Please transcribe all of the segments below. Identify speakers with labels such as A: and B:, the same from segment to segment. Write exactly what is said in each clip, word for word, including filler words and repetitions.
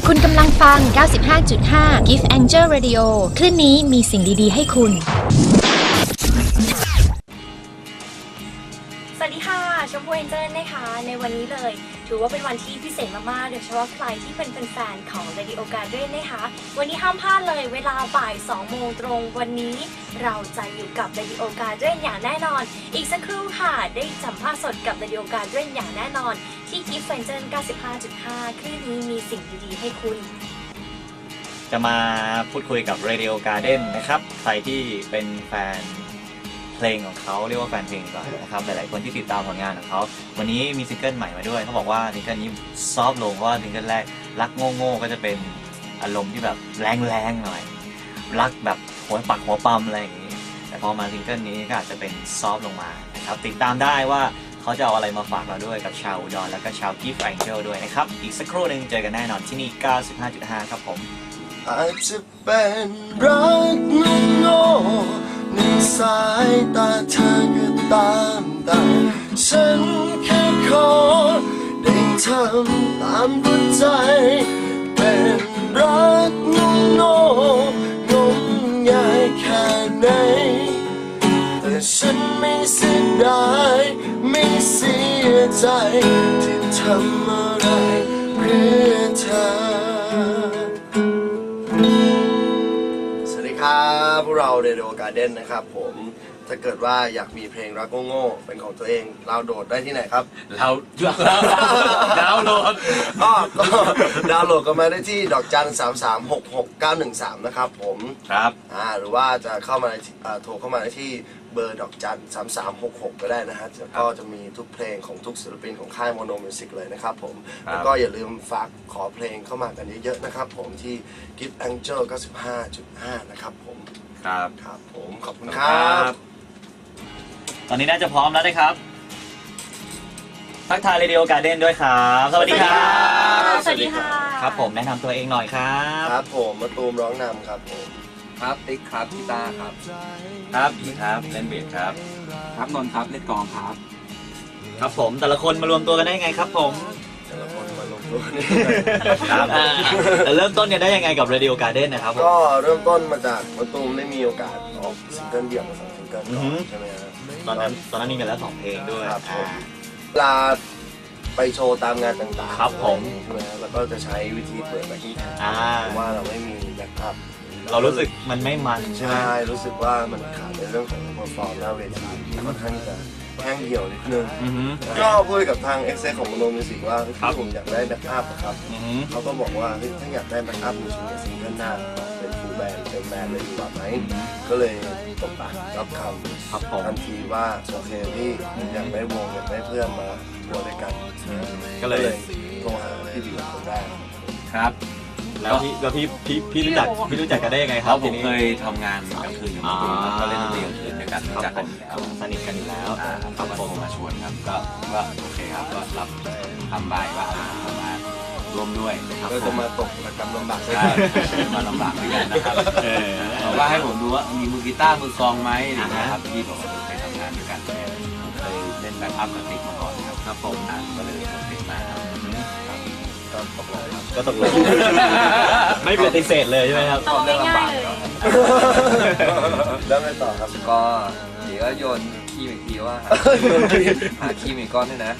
A: คุณกำลังฟัง เก้าสิบห้าจุดห้า Gift Angel Radio คลื่นนี้มีสิ่งดีๆให้คุณ
B: สวัสดีค่ะชมพูเอ็นเจอร์นะคะในวันนี้เลยถือว่าเป็นวันที่พิเศษมากๆโดยเฉพาะใครที่เป็นแฟนๆของ Radio Garden นะคะวันนี้ห้ามพลาดเลยเวลาบ่ายสองโมงตรงวันนี้เราจะอยู่กับ Radio Garden อย่างแน่นอนอีกสักครู่ค่ะได้สัมภาษณ์สดกับ Radio Garden อย่างแน่นอนที่ Gift Angel เก้าสิบห้าจุดห้า คลื่นนี้มีสิ่งดีๆให้คุณ
C: จะมาพูดคุยกับ Radio Garden นะครับใครที่เป็นแฟนเพลงของเขาเรียกว่าแฟนเพลงก่อนนะครับหลายๆคนที่ติดตามผลงานของเขาวันนี้มีซิงเกิลใหม่มาด้วยเขาบอกว่าซิงเกิลนี้ซอฟต์ลงเพราะว่าซิงเกิลแรกรักโง่ๆก็จะเป็นอารมณ์ที่แบบแรงๆหน่อยรักแบบหัวปักหัวปั๊มอะไรอย่างนี้แต่พอมาซิงเกิลนี้ก็อาจจะเป็นซอฟต์ลงมานะครับติดตามได้ว่าเขาจะเอาอะไรมาฝากเราด้วยกับชาวอุดรแล้วก็ชาว Gift Angel ด้วยนะครับอีกสักครู่หนึ่งเจอกันแน่นอนที่นี่ เก้าสิบห้าจุดห้า ครับผม
D: อาจจะเป็นรักโง่ในสายตาเธอก็ตามแต่ฉันแค่ขอได้ทำตามหัวใจเป็นรักโง่งมงายแค่ไหนแต่ฉันไม่เสียดายไม่เสียใจที่ทำอะไรเพื่อเธอครับพวกเรา Radio Garden นะครับผมถ้าเกิดว่าอยากมีเพลงรักโง่ๆเป็นของตัวเองดาวน์โหลดได้ที่ไหนครับ
C: เราดาวน์โหลด
D: ก็ดาวน์โหลดกันมาได้ที่ดอกจันสามสามหกหกเก้าหนึ่งสามนะครับผม
C: ครับ
D: อ่าหรือว่าจะเข้ามาโทรเข้ามาได้ที่เบอร์ดอกจันสามสามหกหกก็ได้นะฮะแล้วก็จะมีทุกเพลงของทุกศิลปินของค่ายโมโนมิวสิกเลยนะครับผมแล้วก็อย่าลืมฝากขอเพลงเข้ามากันเยอะๆนะครับผมที่ Gift Angel เก้าสิบห้าจุดห้า นะครับผม
C: ครับ
D: ครับผมขอบคุณครับ
C: ตอนนี้น่าจะพร้อมแล้วนะครับทักทาย Radio Garden ด้วยครับสวัสดีครับ
B: สวัสดีค่ะ
C: ครับผมแนะนำตัวเองหน่อยครับ
D: ครับผมมะตูมร้องนำครับผม
E: ครับติ๊กครับกีตาร์ครับ
C: ครับอีครับเล่นเบสครับ
E: ครับนนท์ครับเล่นกลองครับ
C: ครับผมแต่ละคนมารวมตัวกันได้ยังไงครับผม
D: แต่ละคนมารวมตัวกัน
C: ครับแต่เริ่มต้นเนี่ยได้ยังไงกับ Radio Garden นะครับ
D: ก็เริ่มต้นมาจากมะตูมได้มีโอกาสออกซิงเกิลเดี่ยวมาสองซิงเกิลก่อนใช่ไหมครับ
C: ตอนนั้นตอนนั้นมีกันแล้วสองเพลงด้วย
D: ครับเวลาไปโชว์ตามงานต่างๆ
C: ครับผม
D: ใช่ไหมแล้วก็จะใช้วิธีเปิดแบ็คกิ้งแทร็กเพราะว่าเราไม่มีแบ็คอัพ
C: เรารู้สึกมันไม่มันใช่ไหม
D: ใช่รู้สึกว่ามันขาดในเรื่องของเพอร์ฟอร์มหน้าเวทีค่อนข้างจะแห้งเหี่ยวนิดนึงก็พูดกับทางเอ็กเซของโมโนมิวสิกว่าที่ผมอยากได้แบ็คอัพครับเขาก็บอกว่าถ้าอยากได้แบ็คอัพจริงๆซิงเกิลหน้าเป็นฟูลแบนด์เป็นแบนด์เลยดีกว่าไหมก็เลยตกปากรับคำทันทีว่าโอเคพี่อยากได้วงอยากได้เพื่อนมาทัวร์ด้วยกัน
C: ก็เลย
D: โทรหาพี่บิ๊กคนแรก
C: ครับแล้วพี่แล้วพี่พี่พี่รู้จักพี่รู้จักกันได้ยังไงครับ
E: ผมเคยทำงานกลางคืนกับคุณก็เล่นดนตรีกลางคืนด้วยกันรู้จักกันแล้ว
C: สนิทกันอยู่แล้ว
E: เขาโทรมาชวนครับก็ก็โอเคครับก็รับทำใบว่ามาร่วมด้วย
D: ก็จะมาตกระกำลำบาก
E: ใช่มาลำบากด้วยกันนะครับบอกว่าให้ผมดูว่ามีมือกีตาร์มือกลองไหมนะครับพี่บอกว่าเคยทำงานด้วยกันผมเคยเล่นแบ็คอัพกับติ๊กมาก่อนครับ
C: ครับผม
E: ก็เลยติดมาครับ
D: ก็ตกลง
C: ก็ตกลงไม่ปฏิเสธเลยใช่ไหมครับ
B: เรื่องลำบาก
D: แล้วไงต่อครับ
E: ก็เดี๋ยวโยนขี้อีกทีว่าหาขี้มีก้อนด้วยนะ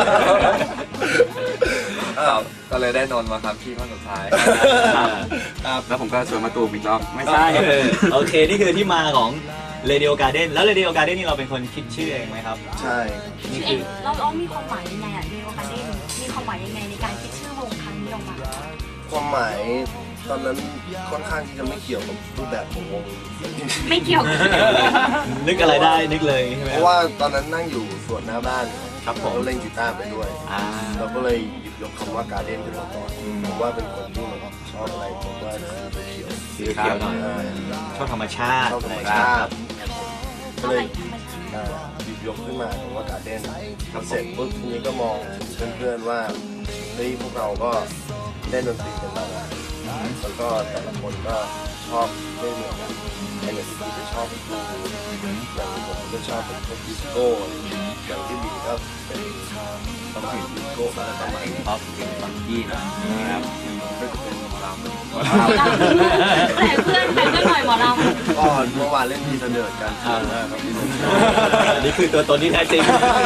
E: ก็เลยได้นนมาครับขี้ข้อสุดท้ายแล้วผมก็ชวนมาตูมอีกรอบ
C: ไม่ใช่โอเคนี่คือที่มาของ Radio Garden แล้ว Radio Garden นี่เราเป็นคนคิดชื่อเองไหมครับ
D: ใช่
B: นี่คือเราเรามีความหมายยังไงอ่ะ Radio Garden มีความหมายยังไงในการคิดชื่อวงครั้งนี้ออกมา
D: ความหมายตอนนั้นค่อนข้างที่จะไม่เกี่ยวกับรูปแบบของวง
B: ไม่เกี่ยว
C: นึกอะไรได้นึกเลยใช่ไหม
D: เพราะว่าตอนนั้นนั่งอยู่สวนหน้าบ้าน
C: ครับผม
D: เราเล่นกีตาร์ไปด้วยเราก็เลยหยิบยกคำว่าการ์เด้นขึ้นมาก่อนผมว่าเป็นคนที่ชอบอะไรผมว่า
C: สีเขียวหน่อยชอบธรรมชาติ
D: ชอบธรรมชาติก็เลยหยิบยกขึ้นมาคำว่าการ์เด้นทำเสร็จปุ๊บทีนี้ก็มองเพื่อนๆว่าเฮ้ยพวกเราก็เล่นดนตรีกันมานานแล้วก็แต่ละคนก็ชอบไม่เหมือนกันไอ้เนี่ยที่จะชอบดูอย่างที่ผมก็ชอบเป็นพวกดิสโก้อย่างที่บีก็เป็นต้องมีดิสโก้อะไรประมาณนี้
E: ชอบเพลงฟังกี้นะครับ
D: ก็จะเป็นหมอลำ
B: แต่เพื่อนแต่เพื่อนหน่อยหมอล
D: ก่อนเมื่อวานเล่นทีเสนอกันครับพี่
C: อันนี้คือตัวตนที่แท้จริง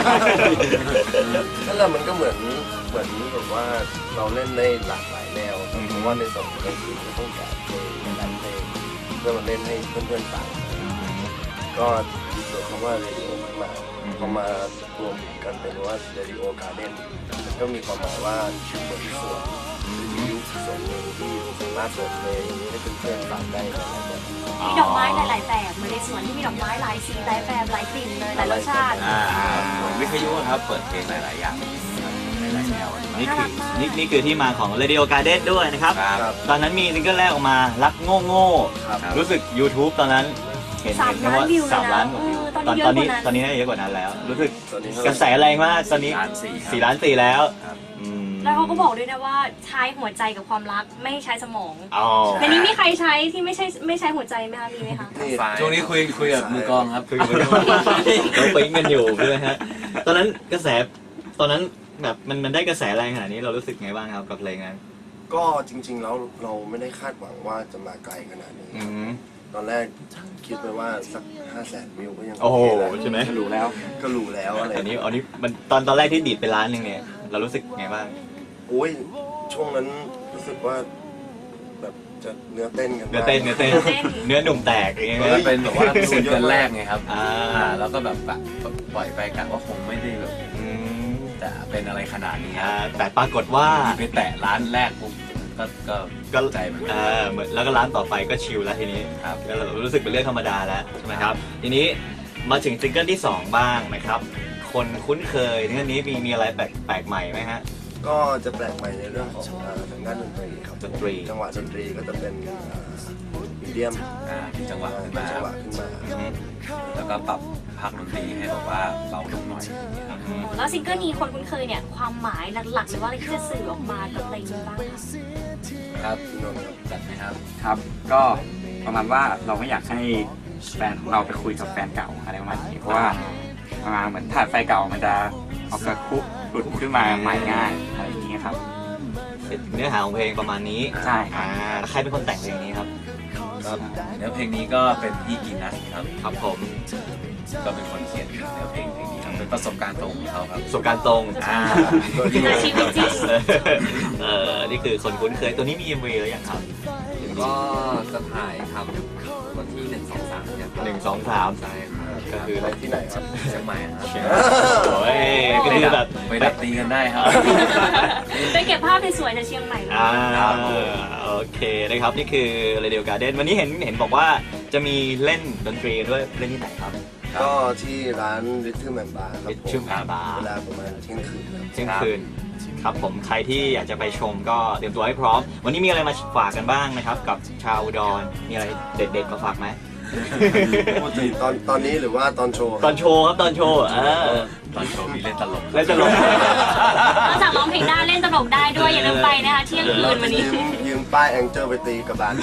D: นั่นแหละมันก็เหมือนเหมือนแบบว่าเราเล่นได้หลากหลายแนวเพราะว่าในสองเพลงคือก็ต้องการเพลงหลายเพลงเพื่อมาเล่นให้เพื่อนๆฟังก็ดีส่วนคำว่าเรดิโอขึ้นมาพอมารวมกันเป็นว่าเรดิโอการ์เด้นก็มีความหมายว่าเหมือนสวนยุคสวนหนึ่งที่สามารถเปิดเพลงให้เพื่อนๆฟังได้หลายแบบ
B: ำมีดอกไม้หลายๆแบบเหมือนในสวนที่มีดอกไม้หลายสีหลายแบบหลายกลิ่นเลยหลายรสชาติ
E: อ่าเหมือนวิทยุครับเปิดเพลงหลายๆอย่างหลายๆแนว
C: นี่คือนี่นี่คือที่มาของ Radio Garden ด้วยนะครับ
E: ครับ
C: ตอนนั้นมีซิงเกิลแรกออกมารักโง่โง่
D: ครับ
C: รู้สึก YouTube ตอนนั้นเห็น
B: สาม
C: เห็น
B: ล้าน
C: ว่า
B: วิวเลยนะ
C: สามล้านกว่าวิว
B: เออ
C: ตอน
B: ต
C: ต
B: อ
C: อน น
B: นี้
C: นี้
B: เยอะกว่านั้น
C: ตอนนี้น่าจะเยอะกว่านั้นแล้ว รู้สึก
D: ตอนนี้
C: กระแสแรงมากตอนนี้
E: ล้านสี่ครับ
C: สี่ล้านสี่แล้ว
E: ครับ
C: อืม
B: แล้วเขาก็บอกด้วยนะว่าใช้หัวใจกับความรักไม่ใช้สมอง
C: อ๋อ
B: ในนี้มีใครใช้ที่ไม่ใช่ไม่ใช้หัวใจไหมคะมีไหมคะ
E: ช่วงนี้คุยคุยกับมือกลองครับ
C: คือมันเราปิ๊งกันอยู่ด้วยฮะตอนนั้นกระแสตอนนั้นแบบมันมันได้กระแสแรงขนาดนี้เรารู้สึกไงบ้างครับกับเพลงนั้น
D: ก็จริงๆแล้วเราไม่ได้คาดหวังว่าจะมาไกลขนาดนี้
C: อืม
D: ตอนแรกคิดไปว่าสักห้าแสนวิวก็ยัง
C: โอ้โห
D: เคแล้ว
C: ใช่ไหม
E: ก็รู้แล้ว
D: ก็รู้แล้วอะไร
C: อันนี้อันนี้มันตอนตอนแรกที่ดีดไปล้านหนึ่งเนี่ยเรารู้สึกไงบ้าง
D: โอ้ยช่วงนั้นรู้สึกว่าแบบจะเนื้อเต้นกัน
C: เนื้อเต้นเนื้อเต้นเนื้อหนุ่มแตกอย่างเงี้ย
E: ก็เป็นแบบว่าซิงเกิลแรกไงครับ
C: อ่า
E: อ่าแล้วก็แบบแบบปล่อยไปกะว่าคงไม่ได้แบบ
C: อืม
E: จะเป็นอะไรขนาดนี้ค
C: อ่า
E: รับ
C: แต่ปรากฏว่า
E: ไปแตะร้านแรกปุ๊บก็ก็
C: ก็
E: ใจเหมือนกั
C: เอน อเหมือนแล้วก็ร้านต่อไปก็ชิลแล้วทีนี้
E: ครับ
C: ก็รู้สึกเป็นเรื่องธรรมดาแล้วใช่ไหมครับทีนี้มาถึงซิงเกิลที่สองบ้างนะครับ คนคุ้นเคยซิงเกิลนี้มีมีอะไรแปลกแปลกใหม่ไหมฮะ
D: ก็จะแปลกใหม่ในเรื่องของอ่าทางด้านดนตรีครับ
C: ดนตรี
D: จังหวะดนตรีก็จะเป็นมีเดียม
E: อ่ามีจังหวะขึ้นมา
D: จังหวะขึ้นมา
C: อืม
E: แล้วก็ปรับภาคดนตรีให้แบบว่าเบาลงหน่อย
C: อืม
B: แล้วซิงเกิลนี้คนคุ้นเคยเนี่ยความหมายหลักๆหรือว่าอะไรที่จะสื่อออกมากับเพลงนี้บ้างคะ
E: ครับพี่นนท์จัดไหมครับ
F: ครับ ก็ประมาณว่าเราไม่อยากให้แฟนของเราไปคุยกับแฟนเก่าอะไรประมาณนี้เพราะว่าประมาณเหมือนถ้าแฟนเก่ามันจะออกกระคุหลุดขึ้นมาใหม่ง่ายอะไรอย่างนี้ครับ
C: เนื้อหาของเพลงประมาณนี้
F: ใช่ครับ
C: อ่าใครเป็นคนแต่งเพลงนี้ครับ
E: ครับเนื้อเพลงนี้ก็เป็นพี่กินัสครับ
C: ครับผม
E: ก็เป็นคนเขียนเนื้อเพลงเพลงนี้ครับเป็นประสบการณ์ตรงของเขาครับ
C: ประสบการณ์ตรงอ่า
B: ในชีวิตจริง
C: เออนี่คือคนคุ้นเคยตัวนี้มี เอ็ม วี แล้วยังครับ
G: ก็จะถ่ายทำวันที่หนึ่งสองสามเนี่ยครับ
C: หนึ่งสองสาม
G: ใช่ครับ
C: ก็คือ
D: ไปที่ไหนครับ
G: เชียงใหม่ครับ
C: โอ้ยก็คือแบบ
E: ไปดับตีกันได้ครับ
B: ไปเก็บภาพสวยๆจากเชียงใหม่เลย
C: อ่าโอเคนะครับนี่คือ Radio Garden วันนี้เห็นเห็นบอกว่าจะมีเล่นดนตรีด้วยเล่นที่ไหนครับ
D: ก็ที่ร้าน Rhythm and Bar ครับผม
C: Rhythm and Bar
D: เวลาประมาณเที่ยงคืนครับ
C: เที่ยงคืนครับผมใครที่อยากจะไปชมก็เตรียมตัวให้พร้อม วันนี้มีอะไรมาฝากกันบ้างนะครับ กับชาวอุดรมีอะไรเด็ดๆมาฝากไหม
D: ตอนตอนนี้หรือว่าตอนโชว์
C: ตอนโชว์ครับตอนโชว์เออ
E: ตอนโชว์มีเล่นตลก
C: เล่นตลก
B: นอกจากร้องเพลงได้เล่นตลกได้ด้วยอย่าลืมไปนะคะเที่ยงคืนวันนี้
D: ยืมยืมป้ายแองเจิลไปตีกับบาน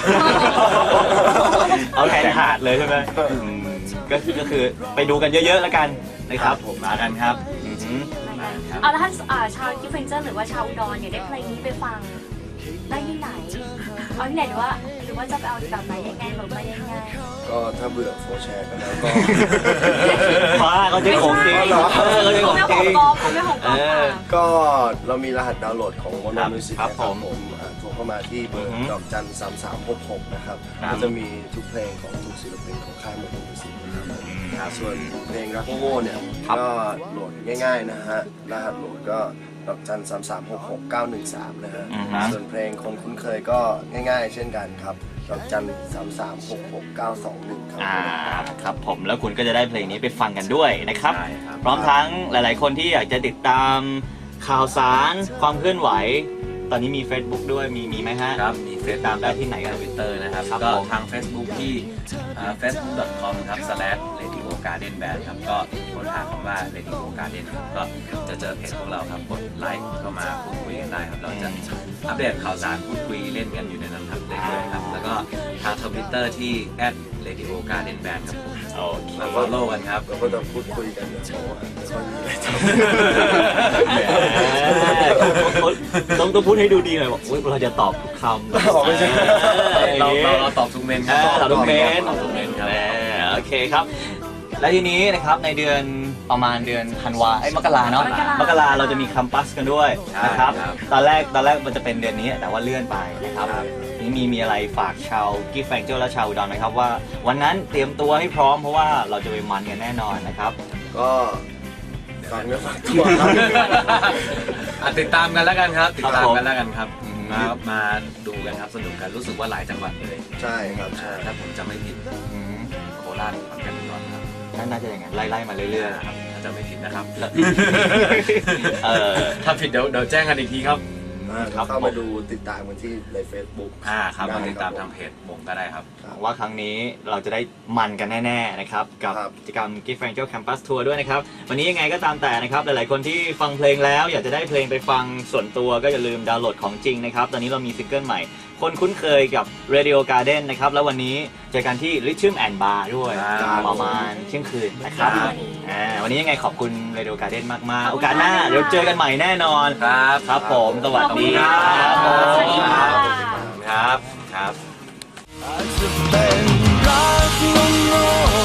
C: เอาแทนขาดเลยใช่ไหมอืมก็ก็คือไปดูกันเยอะๆแล้วกันนะครับ
E: ผมมากันครับ
C: อือหือ
B: เอาแล้วถ้าอ่าชาวกิฟเฟนเจอร์หรือว่าชาวอุดรเนี่ยได้เพลงนี้ไปฟังได้ที่ไหนเอาที่ไหนหรือว่าหรือว่าจะไปเอาแบบไหนยังไงหรือไปยังไง
D: ก็ถ้าเบื่อโฟร์แชร์กันแล้วก็
C: ฟ้าเขาจะของจริง
D: อ๋อเหรอ
C: เออเขาจะของ
B: ไม่
C: จ
B: ขอ
C: ริ
B: ง
C: ง
B: กอล์ฟไม่ของกอล์ฟค่ะ
D: ก็เรามีรหัสดาวน์โหลดของ
C: ครั
D: Mono
C: บ
D: Music
C: ครับ
D: นะ
C: ผม
D: อ่าโทรเข้ามาที่เบอ
C: อือ
D: ร์
C: ฮึ
D: ดอกจันสามสามหกหกนะครับ
C: ครับ
D: ก็จะมีทุกเพลงของทุกศิลปินของค่าย Mono Music นะครับส่วนเพลงรักโง่ๆเนี่ย
C: ครับ
D: ก็โหลดง่ายๆนะฮะรหัสโหลดก็ดอกจันสามสามหกหกเก้าหนึ่งสามนะฮะ
C: อือฮึ
D: ส่วนเพลงคนคุ้นเคยก็ง่ายๆ เช่นกันครับดอกจันสามสามหกหกเก้าสองหนึ่งครับ
C: อ่าครับผมแล้วคุณก็จะได้เพลงนี้ไปฟังกันด้วยนะครับ
E: ใช่ครับ
C: พร้อมทั้งหลายๆ คนที่อยากจะติดตามข่าวสารความเคลื่อนไหว ตอนนี้มี Facebook ด้วยมีมีไหมฮะ
E: ครับ มีเฟซ
C: ตามได้ที่ไหนครับ
E: ทวิตเตอร์นะครับ
C: ครับ
E: ก็
C: ผม
E: ทาง Facebook ที่เฟซบุ๊ก ดอท คอม ครับ สแลช เรดิโอการ์เด้น แบนด์ ครับ ก็ค้นหาคำว่า Radio Garden ครับก็จะเจอเพจพวกเราครับ กดไลค์เข้ามาพูดคุยกันได้ครับ เราจะอัปเดตข่าวสารพูดคุยเล่นกันอยู่ในนั้นครับเรื่อยๆครับ แล้วก็ทางทวิตเตอร์ที่ แอท เรดิโอการ์เด้น แบนด์ ครับผม
C: โอเค
E: มา follow กันครับ
D: เราก็จะพูดคุยกันเดี๋ยวโอ้ไม่ค่อยมีอะไรทำ
C: แหมต้องต้องพูดให้ดูดีหน่อยบอกอุ๊ยเราจะตอบทุกคำ
D: ไม่ใช่
E: เราเราเราตอบทุกเมนค
C: อ่า
E: รับ
C: ตอบทุกเมน
E: ตอบทุกเมนครับ
C: อ่าโอเคครับ และทีนี้นะครับในเดือนประมาณเดือนธันวาไอ้ยมกราเนาะ
B: มกราม
C: มกราเราจะมีคัมปัสกันด้วยนะครับ
E: ใช่ครับ
C: ตอนแรกตอนแรกมันจะเป็นเดือนนี้แต่ว่าเลื่อนไปนะครับนี่มีมีอะไรฝากชาวกิฟต์แฟงเจอร์และชาวอุดรไหมครับว่าวันนั้นเตรียมตัวให้พร้อมเพราะว่าเราจะไปมันกันแน่นอนนะครับ
D: ก็ฝากเนื้อฝากตัวครับ
E: อ่ะติดตามกันแล้วกันครับ ติดตาม
C: ครับผม
E: กันแล้วกันครับ
C: อืม
E: มามาดูกันครับสนุกกันรู้สึกว่าหลายจังหวัดเลย
D: ใช่ครับ
E: อ่า
D: ใช่
E: ถ้าผมจะไม่ผิด
C: อืม
E: โคราชขอนแก่นอุดรครับ
C: น่าจะอย่างนั้นไล่ๆมาเรื่อย
E: ครับถ้าจะไม่ผิดนะครับ
C: ๆเออ
E: ถ้าผิดเดี๋ยวเดี๋ยวแจ้งกันอีกทีครับ
D: อ่า
C: ครับ
D: เข้ามาดูติดตามกันที่ใน Facebook
E: อ่าครับ
D: ได้
E: มาติดตาม
D: ครับ
E: ทางเพจวงก็ได้ครับ
C: หวังว่าครั้งนี้เราจะได้มันกันแน่ๆนะครับกับ
D: ครับ
C: กิจกรรม Gift Angel Campus Tour ด้วยนะครับวันนี้ยังไงก็ตามแต่นะครับหลายๆคนที่ฟังเพลงแล้วอยากจะได้เพลงไปฟังส่วนตัวก็อย่าลืมดาวน์โหลดของจริงนะครับตอนนี้เรามีซิงเกิลใหม่ คนคุ้นเคยกับ Radio Garden นะครับแล้ววันนี้เจอกันที่ Rhythm and Bar ด้วย
E: ครับ
C: ประมาณเที่ยงคืนนะครับ
E: ครับ
C: อ่าวันนี้ยังไงขอบคุณ Radio Garden มากๆโอกาสหน้าเดี๋ยวเจอกันใหม่แน่นอน
E: ครับ
C: ครับผมสวัสดีค
B: ข
C: รั
B: อบคุณค่ะ
C: บ
B: สวัสดีค่ะ
C: ครับครับ
D: อาจจะเป็นรักงง